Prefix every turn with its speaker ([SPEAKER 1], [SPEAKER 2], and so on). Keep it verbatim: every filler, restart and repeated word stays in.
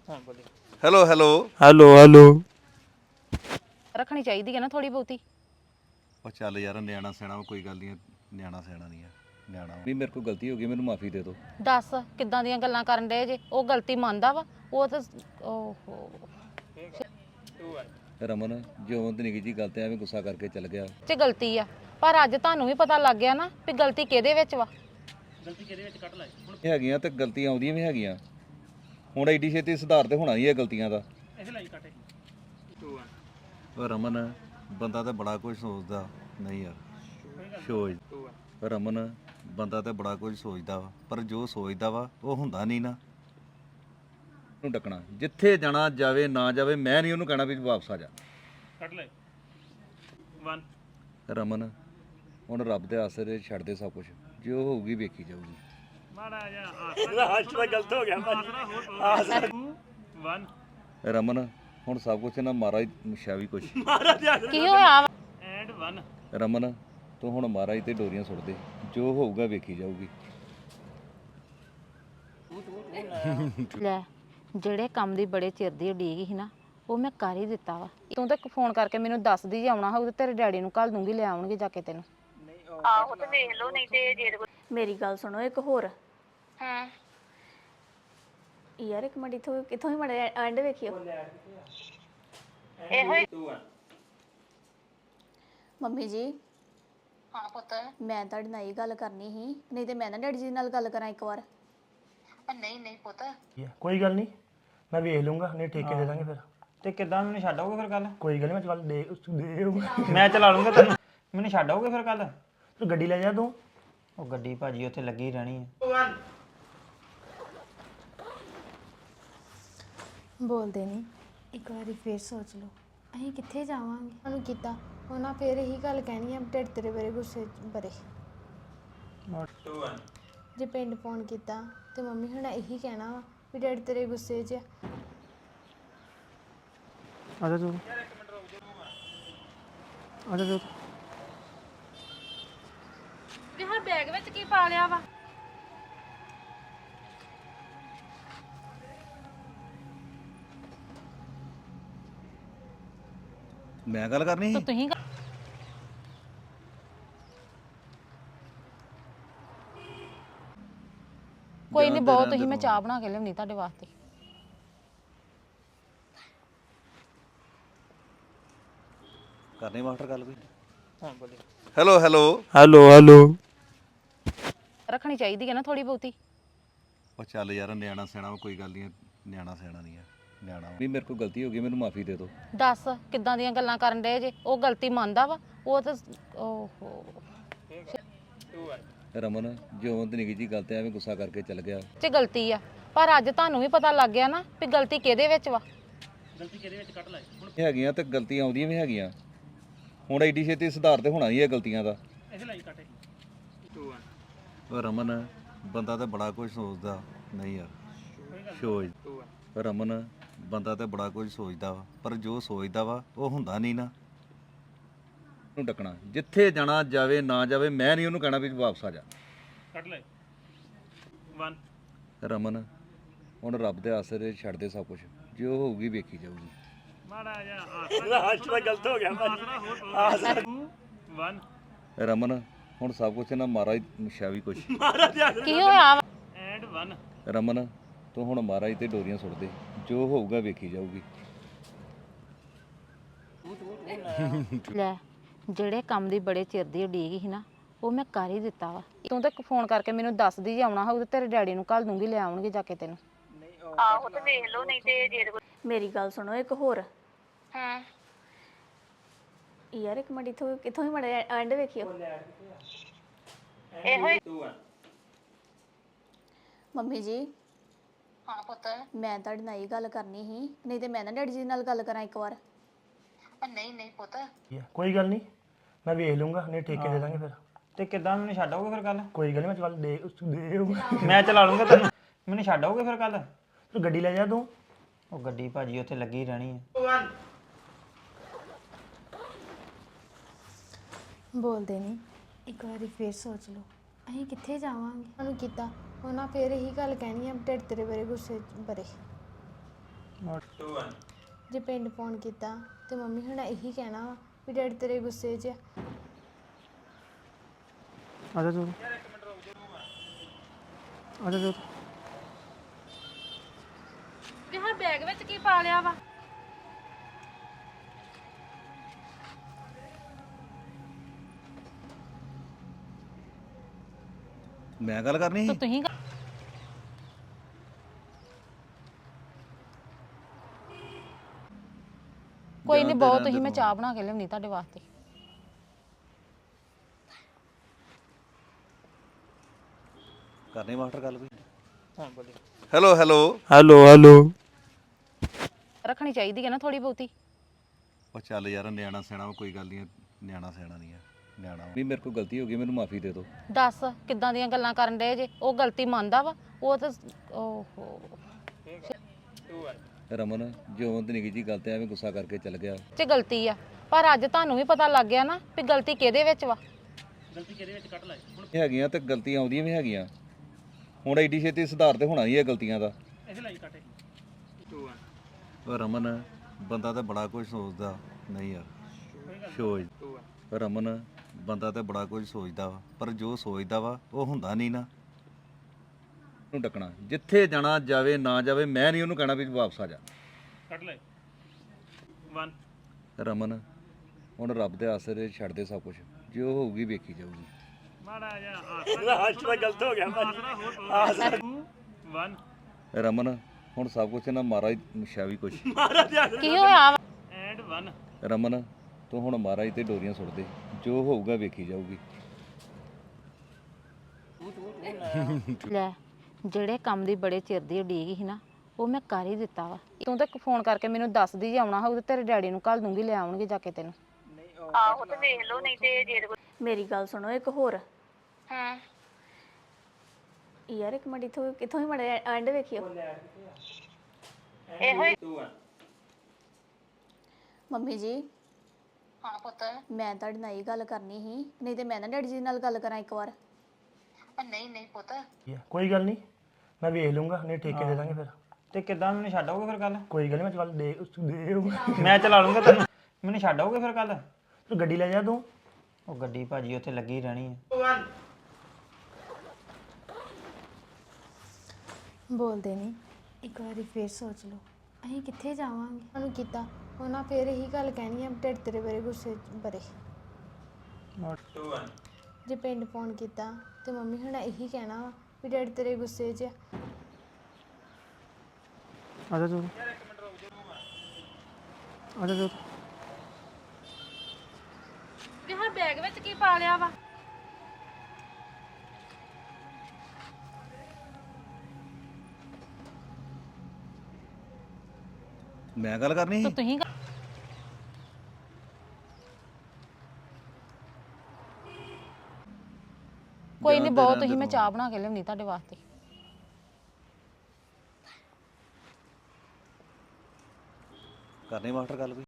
[SPEAKER 1] Hello hello
[SPEAKER 2] hello hello
[SPEAKER 3] ਰੱਖਣੀ ਚਾਹੀਦੀ ਹੈ ਨਾ ਥੋੜੀ ਬਹੁਤੀ।
[SPEAKER 1] ਉਹ ਚੱਲ ਯਾਰ ਨਿਆਣਾ ਸਿਆਣਾ ਵਾ, ਕੋਈ ਗੱਲ ਨਹੀਂ, ਨਿਆਣਾ ਸਿਆਣਾ ਨਹੀਂ ਆ, ਨਿਆਣਾ ਵੀ ਮੇਰੇ ਕੋਲ ਗਲਤੀ ਹੋ ਗਈ, ਮੈਨੂੰ ਮਾਫੀ ਦੇ ਦਿਓ।
[SPEAKER 3] ਦੱਸ ਕਿੱਦਾਂ ਦੀਆਂ ਗੱਲਾਂ ਕਰਨ ਡਏ ਜੇ? ਉਹ ਗਲਤੀ ਮੰਨਦਾ ਵਾ ਉਹ ਤਾਂ। ਓਹੋ
[SPEAKER 1] ਰਮਨ ਜਿਉਂ ਤੇ ਨਿੱਕੀ ਜੀ ਗੱਲ ਤੇ ਐਵੇਂ ਗੁੱਸਾ ਕਰਕੇ ਚੱਲ ਗਿਆ।
[SPEAKER 3] ਚ ਗਲਤੀ ਆ, ਪਰ ਅੱਜ ਤੁਹਾਨੂੰ ਵੀ ਪਤਾ ਲੱਗ ਗਿਆ ਨਾ ਵੀ ਗਲਤੀ ਕਿਹਦੇ ਵਿੱਚ ਵਾ।
[SPEAKER 1] ਗਲਤੀ ਕਿਹਦੇ ਵਿੱਚ ਕੱਢ ਲੈ ਹੁਣ ਹੈਗੀਆਂ ਤੇ ਗਲਤੀਆਂ ਆਉਂਦੀਆਂ ਵੀ ਹੈਗੀਆਂ, ਹੁਣ ਐਡੀ ਛੇਤੀ ਸੁਧਾਰ ਤੇ ਹੋਣਾ ਹੀ ਹੈ ਗਲਤੀਆਂ ਦਾ। ਉਹ ਰਮਨ ਬੰਦਾ ਤਾਂ ਬੜਾ ਕੁਝ ਸੋਚਦਾ, ਨਹੀਂ ਯਾਰ ਸੋਚ ਰਮਨ ਬੰਦਾ ਤਾਂ ਬੜਾ ਕੁਝ ਸੋਚਦਾ ਵਾ, ਪਰ ਜੋ ਸੋਚਦਾ ਵਾ ਉਹ ਹੁੰਦਾ ਨਹੀਂ ਨਾ। ਨੂੰ ਡੱਕਣਾ ਜਿੱਥੇ ਜਾਣਾ ਜਾਵੇ ਨਾ ਜਾਵੇ, ਮੈਂ ਨਹੀਂ ਉਹਨੂੰ ਕਹਿਣਾ ਵੀ ਵਾਪਸ ਆ ਜਾ। ਕੱਢ ਲੈ ਵਨ ਰਮਨ ਹੁਣ ਰੱਬ ਦੇ ਆਸਰੇ ਛੱਡ ਦੇ ਸਭ ਕੁਝ, ਜੋ ਹੋਊਗੀ ਵੇਖੀ ਜਾਊਗੀ। ਮਾੜਾ ਜਿਹਾ ਆਸਰਾ ਗਲਤ ਹੋ ਗਿਆ ਭਾਜੀ। ਵਨ ਰਮਨ ਹੁਣ ਸਭ ਕੁਝ ਨਾ ਮਹਾਰਾਜ ਮੁਸ਼ਾ ਵੀ ਕੁਛ
[SPEAKER 3] ਕੀ ਹੋਇਆ ਵਾ?
[SPEAKER 1] ਐਂਡ ਵਨ ਰਮਨ ਤੂੰ ਹੁਣ ਮਹਾਰਾਜ ਤੇ ਡੋਰੀਆਂ ਸੁੱਟ ਦੇ, ਜੋ ਹੋਊਗਾ ਵੇਖੀ ਜਾਊਗੀ।
[SPEAKER 3] ਲੈ ਜਿਹੜੇ ਕੰਮ ਦੀ ਬੜੇ ਚਿਰ ਦੀ ਉਡੀਕ ਸੀ ਨਾ, ਉਹ ਮੈਂ ਕਰ ਹੀ ਦਿੱਤਾ ਵਾ। ਤੂੰ ਤਾਂ ਫੋਨ ਕਰਕੇ ਮੈਨੂੰ ਦੱਸਦੀ ਜੇ ਆਉਣਾ ਹੋਊ ਤੇ ਤੇਰੇ ਡੈਡੀ ਨੂੰ ਘੱਲ ਦੂੰਗੀ, ਲੈ ਆਉਣਗੇ ਜਾ ਕੇ ਤੈਨੂੰ।
[SPEAKER 4] ਆਹੋ ਤੇ ਵੇਖ ਲਓ, ਨਹੀਂ ਤੇ ਜੇ ਮੇਰੀ ਗੱਲ ਸੁਣੋ ਇੱਕ ਹੋਰ।
[SPEAKER 3] ਹਾਂ
[SPEAKER 4] ਯਾਰ ਇੱਕ ਮਿੰਟ ਇਥੋਂ ਕਿੱਥੋਂ ਹੀ ਮੜੇ ਐਂਡ ਵੇਖਿਓ।
[SPEAKER 3] ਇਹੋ ਹੀ।
[SPEAKER 4] ਮੰਮੀ ਜੀ
[SPEAKER 3] ਹਾਂ ਪੁੱਤ।
[SPEAKER 4] ਮੈਂ ਤੁਹਾਡੇ ਨਾਲ ਇਹ ਗੱਲ ਕਰਨੀ ਸੀ, ਨਹੀਂ ਤੇ ਮੈਂ ਨਾ ਡੈਡੀ ਜੀ ਨਾਲ ਗੱਲ ਕਰਾਂ ਇੱਕ ਵਾਰ।
[SPEAKER 3] ਨਹੀਂ ਨਹੀਂ ਪੁੱਤ,
[SPEAKER 2] ਕੋਈ ਗੱਲ ਨਹੀਂ, ਮੈਂ ਵੇਖ ਲੂੰਗਾ, ਨਹੀਂ ਠੇਕੇ ਦੇ ਦਾਂਗੇ ਫਿਰ।
[SPEAKER 5] ਤੇ ਕਿੱਦਾਂ ਮੈਨੂੰ ਛੱਡ ਆਓਗੇ ਫਿਰ ਕੱਲ?
[SPEAKER 2] ਕੋਈ ਗੱਲ ਨਹੀਂ, ਮੈਂ ਚੱਲ ਦੇ ਦੇ
[SPEAKER 5] ਮੈਂ ਚਲਾ ਲੂੰਗਾ ਤੈਨੂੰ, ਮੈਨੂੰ ਛੱਡ ਆਓਗੇ ਫਿਰ ਕੱਲ?
[SPEAKER 2] ਤੂੰ ਗੱਡੀ ਲੈ ਜਾ ਤੂੰ।
[SPEAKER 5] ਉਹ ਗੱਡੀ ਭਾਜੀ ਉੱਥੇ ਲੱਗੀ ਰਹਿਣੀ ਹੈ।
[SPEAKER 6] ਬੋਲਦੇ ਨਹੀਂ, ਇੱਕ ਵਾਰੀ ਫੇਰ ਸੋਚ ਲਓ, ਅਸੀਂ ਕਿੱਥੇ ਜਾਵਾਂਗੇ? ਉਹਨੂੰ ਕੀਤਾ ਉਹਨਾਂ ਫੇਰ ਇਹੀ ਗੱਲ ਕਹਿਣੀ ਆ, ਢਿੱਡ ਤੇਰੇ ਬਾਰੇ ਗੁੱਸੇ ਬਰੇ। ਜੇ ਪਿੰਡ ਫੋਨ ਕੀਤਾ ਤੇ ਮੰਮੀ ਹੁਣ ਇਹੀ ਕਹਿਣਾ ਵਾ ਵੀ ਢਿੱਡ ਤੇਰੇ ਗੁੱਸੇ 'ਚ ਆ।
[SPEAKER 2] ਆ ਜਾ ਤੂੰ, ਆ ਜਾ ਤੂੰ।
[SPEAKER 3] ਵੀ ਹਾਂ ਬੈਗ ਵਿੱਚ ਕੀ ਪਾ ਲਿਆ ਵਾ?
[SPEAKER 1] ਮੈਂ ਗੱਲ ਕਰਨੀ
[SPEAKER 3] ਤਾਂ
[SPEAKER 1] ਸੀ।
[SPEAKER 3] ਤੁਸੀਂ ਕੋਈ ਨਹੀਂ, ਬਹੁਤ ਤੁਸੀਂ, ਮੈਂ ਚਾਹ ਬਣਾ ਕੇ ਲਿਆਉਣੀ ਤੁਹਾਡੇ ਵਾਸਤੇ।
[SPEAKER 1] ਕਰਨੀ ਮਾਸਟਰ ਗੱਲ ਕੋਈ। ਹੈਲੋ ਹੈਲੋ
[SPEAKER 2] ਹੈਲੋ ਹੈਲੋ
[SPEAKER 3] ਰੱਖਣੀ ਚਾਹੀਦੀ ਹੈ ਨਾ ਥੋੜੀ ਬਹੁਤੀ।
[SPEAKER 1] ਉਹ ਚੱਲ ਯਾਰ ਨਿਆਣਾ ਸਿਆਣਾ ਵਾ, ਕੋਈ ਗੱਲ ਨਹੀਂ, ਨਿਆਣਾ ਸਿਆਣਾ ਨਹੀਂ ਆ, ਨਿਆਣਾ ਵੀ ਮੇਰੇ ਕੋਲ ਗਲਤੀ ਹੋ ਗਈ, ਮੈਨੂੰ ਮਾਫੀ ਦੇ ਦਿਓ।
[SPEAKER 3] ਦੱਸ ਕਿੱਦਾਂ ਦੀਆਂ ਗੱਲਾਂ ਕਰਨ ਡਏ ਜੇ? ਉਹ ਗਲਤੀ ਮੰਨਦਾ ਵਾ ਉਹ ਤਾਂ। ਓਹੋ
[SPEAKER 1] ਰਮਨ ਜਿਉਂ ਤੇ ਨਿੱਕੀ ਜੀ ਗੱਲ ਤੇ ਐਵੇਂ ਗੁੱਸਾ ਕਰਕੇ ਚੱਲ ਗਿਆ।
[SPEAKER 3] ਚ ਗਲਤੀ ਆ, ਪਰ ਅੱਜ ਤੁਹਾਨੂੰ ਵੀ ਪਤਾ ਲੱਗ ਗਿਆ ਨਾ ਵੀ ਗਲਤੀ ਕਿਹਦੇ ਵਿੱਚ ਵਾ।
[SPEAKER 1] ਗਲਤੀ ਕਿਹਦੇ ਵਿੱਚ ਕੱਢ ਲੈ ਹੁਣ ਹੈਗੀਆਂ ਤੇ ਗਲਤੀਆਂ ਆਉਂਦੀਆਂ ਵੀ ਹੈਗੀਆਂ, ਹੁਣ ਐਡੀ ਛੇਤੀ ਸੁਧਾਰ ਤੇ ਹੋਣਾ ਹੀ ਹੈ ਗਲਤੀਆਂ ਦਾ। ਉਹ ਰਮਨ ਬੰਦਾ ਤਾਂ ਬੜਾ ਕੁਝ ਸੋਚਦਾ, ਨਹੀਂ ਯਾਰ ਸੋਚ ਰਮਨ ਬੰਦਾ ਤਾਂ ਬੜਾ ਕੁਝ ਸੋਚਦਾ ਵਾ, ਪਰ ਜੋ ਸੋਚਦਾ ਵਾ ਉਹ ਹੁੰਦਾ ਨਹੀਂ ਨਾ। ਨੂੰ ਡੱਕਣਾ ਜਿੱਥੇ ਜਾਣਾ ਜਾਵੇ ਨਾ ਜਾਵੇ, ਮੈਂ ਨਹੀਂ ਉਹਨੂੰ ਕਹਿਣਾ ਵੀ ਵਾਪਸ ਆ ਜਾ। ਕੱਢ ਲੈ ਵਨ ਰਮਨ ਹੁਣ ਰੱਬ ਦੇ ਆਸਰੇ ਛੱਡ ਦੇ ਸਭ ਕੁਝ, ਜੋ ਹੋਊਗੀ ਵੇਖੀ ਜਾਊਗੀ। ਮਾੜਾ ਜਿਹਾ ਆਸਰਾ ਗਲਤ ਹੋ ਗਿਆ ਭਾਜੀ। ਵਨ ਰਮਨ ਹੁਣ ਸਭ ਕੁਝ ਨਾ ਮਹਾਰਾਜ ਮੁਸ਼ਾ ਵੀ ਕੁਛ।
[SPEAKER 3] ਕੀ ਹੋਇਆ ਵਾ?
[SPEAKER 1] ਐਂਡ ਵਨ ਰਮਨ ਤੂੰ ਹੁਣ ਮਹਾਰਾਜ ਤੇ ਡੋਰੀਆਂ ਸੁੱਟ ਦੇ, ਜੋ ਹੋਊਗਾ ਵੇਖੀ ਜਾਊਗੀ।
[SPEAKER 3] ਲੈ ਜਿਹੜੇ ਕੰਮ ਦੀ ਬੜੇ ਚਿਰ ਦੀ ਉਡੀਕ ਸੀ ਨਾ, ਉਹ ਮੈਂ ਕਰ ਹੀ ਦਿੱਤਾ ਵਾ। ਤੂੰ ਤਾਂ ਫੋਨ ਕਰਕੇ ਮੈਨੂੰ ਦੱਸਦੀ ਜੇ ਆਉਣਾ ਹੋਊ ਤੇ ਤੇਰੇ ਡੈਡੀ ਨੂੰ ਘੱਲ ਦੂੰਗੀ, ਲੈ ਆਉਣਗੇ ਜਾ ਕੇ ਤੈਨੂੰ।
[SPEAKER 4] ਆਹੋ ਤੇ ਵੇਖ ਲਓ, ਨਹੀਂ ਤੇ ਜੇ ਮੇਰੀ ਗੱਲ ਸੁਣੋ ਇੱਕ ਹੋਰ।
[SPEAKER 3] ਹਾਂ
[SPEAKER 4] ਯਾਰ ਇੱਕ ਮਿੰਟ ਇਥੋਂ ਕਿੱਥੋਂ ਹੀ ਮੜੇ ਐਂਡ ਵੇਖਿਓ।
[SPEAKER 3] ਇਹੋ ਹੀ।
[SPEAKER 4] ਮੰਮੀ ਜੀ
[SPEAKER 3] ਹਾਂ ਪੁੱਤ।
[SPEAKER 4] ਮੈਂ ਤੁਹਾਡੇ ਨਾਲ ਇਹ ਗੱਲ ਕਰਨੀ ਸੀ, ਨਹੀਂ ਤੇ ਮੈਂ ਨਾ ਡੈਡੀ ਜੀ ਨਾਲ ਗੱਲ ਕਰਾਂ ਇੱਕ ਵਾਰ।
[SPEAKER 3] ਨਹੀਂ ਨਹੀਂ ਪੁੱਤ,
[SPEAKER 2] ਕੋਈ ਗੱਲ ਨਹੀਂ, ਮੈਂ ਵੇਖ ਲੂੰਗਾ, ਨਹੀਂ ਠੇਕੇ ਦੇ ਦਾਂਗੇ ਫਿਰ।
[SPEAKER 5] ਤੇ ਕਿੱਦਾਂ ਮੈਨੂੰ ਛੱਡ ਆਓਗੇ ਫਿਰ ਕੱਲ?
[SPEAKER 2] ਕੋਈ ਗੱਲ ਨਹੀਂ, ਮੈਂ ਚੱਲ ਦੇ ਦੇ
[SPEAKER 5] ਮੈਂ ਚਲਾ ਲੂੰਗਾ ਤੈਨੂੰ, ਮੈਨੂੰ ਛੱਡ ਆਓਗੇ ਫਿਰ ਕੱਲ?
[SPEAKER 2] ਤੂੰ ਗੱਡੀ ਲੈ ਜਾ ਤੂੰ।
[SPEAKER 5] ਉਹ ਗੱਡੀ ਭਾਜੀ ਉੱਥੇ ਲੱਗੀ ਰਹਿਣੀ ਹੈ।
[SPEAKER 6] ਬੋਲਦੇ ਨਹੀਂ, ਇੱਕ ਵਾਰੀ ਫੇਰ ਸੋਚ ਲਓ, ਅਸੀਂ ਕਿੱਥੇ ਜਾਵਾਂਗੇ? ਉਹਨੂੰ ਕੀਤਾ ਉਹਨਾਂ ਫੇਰ ਇਹੀ ਗੱਲ ਕਹਿਣੀ ਆ, ਢਿੱਡ ਤੇਰੇ ਬਾਰੇ ਗੁੱਸੇ ਬਰੇ। ਜੇ ਪਿੰਡ ਫੋਨ ਕੀਤਾ ਤੇ ਮੰਮੀ ਹੁਣ ਇਹੀ ਕਹਿਣਾ ਵਾ ਵੀ ਡੈਡੀ ਤੇਰੇ ਗੁੱਸੇ 'ਚ ਆ।
[SPEAKER 2] ਆ ਜਾ ਤੂੰ ਆ ਜਾ ਤੂੰ
[SPEAKER 3] ਵੀ ਹਾਂ ਬੈਗ ਵਿੱਚ ਕੀ ਪਾ ਲਿਆ ਵਾ?
[SPEAKER 1] ਮੈਂ ਗੱਲ ਕਰਨੀ
[SPEAKER 3] ਤਾਂ
[SPEAKER 1] ਸੀ
[SPEAKER 3] ਤੁਸੀਂ ਕੋਈ ਨਹੀਂ ਬਹੁਤ ਤੁਸੀਂ ਮੈਂ ਚਾਹ ਬਣਾ ਕੇ ਲਿਆਉਣੀ ਤੁਹਾਡੇ ਵਾਸਤੇ।
[SPEAKER 1] ਕਰਨੀ ਮਾਸਟਰ ਗੱਲ ਕੋਈ ਹੈਲੋ ਹੈਲੋ
[SPEAKER 2] ਹੈਲੋ ਹੈਲੋ
[SPEAKER 3] ਰੱਖਣੀ ਚਾਹੀਦੀ ਹੈ ਨਾ ਥੋੜੀ ਬਹੁਤੀ।
[SPEAKER 1] ਉਹ ਚੱਲ ਯਾਰ ਨਿਆਣਾ ਸਿਆਣਾ ਵਾ, ਕੋਈ ਗੱਲ ਨਹੀਂ ਨਿਆਣਾ ਸਿਆਣਾ ਨਹੀਂ ਆ ਨਿਆਣਾ ਵੀ ਮੇਰੇ ਕੋਲ ਗਲਤੀ ਹੋ ਗਈ ਮੈਨੂੰ ਮਾਫੀ ਦੇ ਦਿਓ।
[SPEAKER 3] ਦੱਸ ਕਿੱਦਾਂ ਦੀਆਂ ਗੱਲਾਂ ਕਰਨ ਡਏ ਜੇ? ਉਹ ਗਲਤੀ ਮੰਨਦਾ ਵਾ ਉਹ ਤਾਂ ਓਹੋ
[SPEAKER 1] ਰਮਨ ਜਿਉਂ ਤੇ ਨਿੱਕੀ ਜੀ ਗੱਲ ਤੇ ਐਵੇਂ ਗੁੱਸਾ ਕਰਕੇ ਚੱਲ ਗਿਆ।
[SPEAKER 3] ਚ ਗਲਤੀ ਆ ਪਰ ਅੱਜ ਤੁਹਾਨੂੰ ਵੀ ਪਤਾ ਲੱਗ ਗਿਆ ਨਾ ਵੀ ਗਲਤੀ ਕਿਹਦੇ ਵਿੱਚ ਵਾ।
[SPEAKER 1] ਹੈਗੀਆਂ ਤੇ ਗਲਤੀਆਂ ਆਉਂਦੀਆਂ ਵੀ ਹੈਗੀਆਂ, ਹੁਣ ਐਡੀ ਛੇਤੀ ਸੁਧਾਰ ਤੇ ਹੋਣਾ ਹੀ ਹੈ ਗਲਤੀਆਂ ਦਾ। ਉਹ ਰਮਨ ਬੰਦਾ ਤੇ ਬੜਾ ਕੁਝ ਸੋਚਦਾ ਨਹੀਂ ਯਾਰ ਸੋਚ ਰਮਨ ਬੰਦਾ ਤੇ ਬੜਾ ਕੁਝ ਸੋਚਦਾ ਵਾ ਪਰ ਜੋ ਸੋਚਦਾ ਵਾ ਉਹ ਹੁੰਦਾ ਨਹੀਂ ਨਾ। ਨੂੰ ਡੱਕਣਾ ਜਿੱਥੇ ਜਾਣਾ ਜਾਵੇ ਨਾ ਜਾਵੇ, ਮੈਂ ਨਹੀਂ ਉਹਨੂੰ ਕਹਿਣਾ ਵੀ ਵਾਪਸ ਆ ਜਾ। ਕੱਟ ਲੈ ਇੱਕ ਰਮਨ ਹੁਣ ਰੱਬ ਦੇ ਆਸਰੇ ਛੱਡ ਦੇ ਸਭ ਕੁਝ, ਜੋ ਹੋਊਗੀ ਵੇਖੀ ਜਾਊਗੀ। ਰਮਨ ਹੁਣ ਸਭ ਕੁਝ ਨਾ ਮਹਾਰਾਜ ਮੁਸ਼ਾ ਵੀ ਕੁਛ
[SPEAKER 3] ਕੀ ਹੋਇਆ ਵਾ?
[SPEAKER 1] ਰਮਨ ਤੂੰ ਹੁਣ ਮਹਾਰਾਜ ਤੇ ਡੋਰੀਆਂ ਸੁੱਟ ਦੇ, ਜੋ ਹੋਊਗਾ ਵੇਖੀ ਜਾਊਗੀ।
[SPEAKER 3] ਲੈ ਜਿਹੜੇ ਕੰਮ ਦੀ ਬੜੇ ਚਿਰ ਦੀ ਉਡੀਕ ਸੀ ਨਾ ਉਹ ਮੈਂ ਕਰ ਹੀ ਦਿੱਤਾ ਵਾ। ਤੂੰ ਤਾਂ ਫੋਨ ਕਰਕੇ ਮੈਨੂੰ ਦੱਸਦੀ ਜੇ ਆਉਣਾ ਹੋਊ ਤੇ ਤੇਰੇ ਡੈਡੀ ਨੂੰ ਘੱਲ ਦੂੰਗੀ, ਲੈ ਆਉਣਗੇ ਜਾ ਕੇ ਤੈਨੂੰ।
[SPEAKER 4] ਆਹੋ ਤੇ ਵੇਖ ਲਓ ਨਹੀਂ ਤੇ ਜੇ ਮੇਰੀ ਗੱਲ ਸੁਣੋ ਇੱਕ ਹੋਰ।
[SPEAKER 3] ਹਾਂ
[SPEAKER 4] ਯਾਰ ਇੱਕ ਮਿੰਟ ਇਥੋਂ ਕਿਥੋਂ ਹੀ ਮੜੇ ਐਂਡ ਵੇਖਿਓ। ਇਹੋ ਹੀ ਮੰਮੀ ਜੀ।
[SPEAKER 3] ਹਾਂ ਪੁੱਤ।
[SPEAKER 4] ਮੈਂ ਤੁਹਾਡੇ ਨਾਲ ਇਹ ਗੱਲ ਕਰਨੀ ਸੀ, ਨਹੀਂ ਤੇ ਮੈਂ ਨਾ ਡੈਡੀ ਜੀ ਨਾਲ ਗੱਲ ਕਰਾਂ ਇੱਕ ਵਾਰ।
[SPEAKER 3] ਨਹੀਂ ਨਹੀਂ ਪੁੱਤ
[SPEAKER 2] ਕੋਈ ਗੱਲ ਨਹੀਂ ਮੈਂ ਵੇਖ ਲੂੰਗਾ, ਨਹੀਂ ਠੇਕੇ ਦੇ ਦਾਂਗੇ ਫਿਰ।
[SPEAKER 5] ਤੇ ਕਿੱਦਾਂ ਮੈਨੂੰ ਛੱਡ ਆਓਗੇ ਫਿਰ ਕੱਲ?
[SPEAKER 2] ਕੋਈ ਗੱਲ ਨਹੀਂ ਮੈਂ ਚੱਲ ਦੇ ਦੇ
[SPEAKER 5] ਮੈਂ ਚਲਾ ਲੂੰਗਾ ਤੈਨੂੰ। ਮੈਨੂੰ ਛੱਡ ਆਓਗੇ ਫਿਰ ਕੱਲ?
[SPEAKER 2] ਤੂੰ ਗੱਡੀ ਲੈ ਜਾ ਤੂੰ।
[SPEAKER 5] ਉਹ ਗੱਡੀ ਭਾਜੀ ਉੱਥੇ ਲੱਗੀ ਰਹਿਣੀ ਹੈ।
[SPEAKER 6] ਬੋਲਦੇ ਨਹੀਂ, ਇੱਕ ਵਾਰੀ ਫੇਰ ਸੋਚ ਲਓ ਅਸੀਂ ਕਿੱਥੇ ਜਾਵਾਂਗੇ। ਉਹਨੂੰ ਕੀਤਾ ਉਹਨਾਂ ਫੇਰ ਇਹੀ ਗੱਲ ਕਹਿਣੀ ਆ ਢਿੱਡ ਤੇਰੇ ਬਾਰੇ ਗੁੱਸੇ ਬਰੇ। ਜੇ ਪਿੰਡ ਫੋਨ ਕੀਤਾ ਤੇ ਮੰਮੀ ਹੁਣ ਇਹੀ ਕਹਿਣਾ ਵਾ ਵੀ ਡੈਡੀ ਤੇਰੇ ਗੁੱਸੇ 'ਚ ਆ।
[SPEAKER 2] ਆ ਜਾ ਤੂੰ ਆ ਜਾ ਤੂੰ
[SPEAKER 3] ਵੀ ਹਾਂ ਬੈਗ ਵਿੱਚ ਕੀ ਪਾ ਲਿਆ ਵਾ?
[SPEAKER 1] ਮੈਂ ਗੱਲ ਕਰਨੀ
[SPEAKER 3] ਤਾਂ
[SPEAKER 1] ਸੀ
[SPEAKER 3] ਤੁਸੀਂ ਕੋਈ ਨਹੀਂ ਬਹੁਤ ਤੁਸੀਂ ਮੈਂ ਚਾਹ ਬਣਾ ਕੇ ਲਿਆਉਣੀ ਤੁਹਾਡੇ ਵਾਸਤੇ।
[SPEAKER 1] ਕਰਨੀ ਮਾਸਟਰ ਗੱਲ ਕੋਈ